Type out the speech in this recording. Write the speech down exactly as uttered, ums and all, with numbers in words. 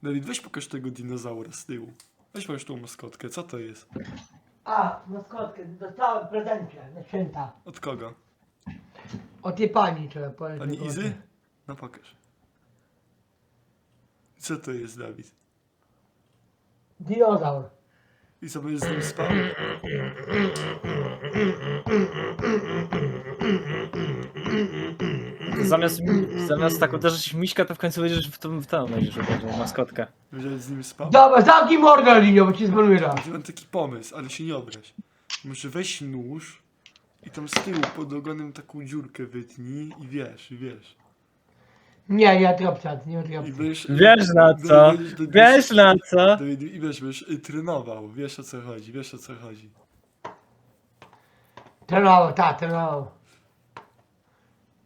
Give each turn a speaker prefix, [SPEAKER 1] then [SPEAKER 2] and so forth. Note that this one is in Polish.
[SPEAKER 1] Dawid, weź pokaż tego dinozaura z tyłu. Weź masz tą maskotkę, co to jest?
[SPEAKER 2] A, maskotkę, dostałem w prezencie na święta.
[SPEAKER 1] Od kogo?
[SPEAKER 2] Od tej pani trzeba powiedzieć.
[SPEAKER 1] Pani Izy? No pokaż. Co to jest, Dawid?
[SPEAKER 2] Dinozaur.
[SPEAKER 1] I co, będziesz z nim spał?
[SPEAKER 3] Zamiast, zamiast tak uderzyć w miśka, to w końcu będziesz w tą, w tą będziesz uderzył, maskotkę.
[SPEAKER 1] Będziesz z nim spał?
[SPEAKER 2] Dobra, zamknij mordę, Linio, bo ci zbanuję raz.
[SPEAKER 1] Mam taki pomysł, ale się nie obraź. Może weź nóż i tam z tyłu pod ogonem taką dziurkę wytnij i wiesz, i wiesz.
[SPEAKER 2] Nie, nie ma tej opcji, nie ma tej
[SPEAKER 1] I
[SPEAKER 2] opcji.
[SPEAKER 1] będziesz...
[SPEAKER 3] Wiesz na co?
[SPEAKER 1] będziesz- będziesz-
[SPEAKER 3] Wiesz na co?
[SPEAKER 1] to- I wiesz, będziesz y, trenował, wiesz o co chodzi, wiesz o co chodzi.
[SPEAKER 2] Trenował, tak, trenował.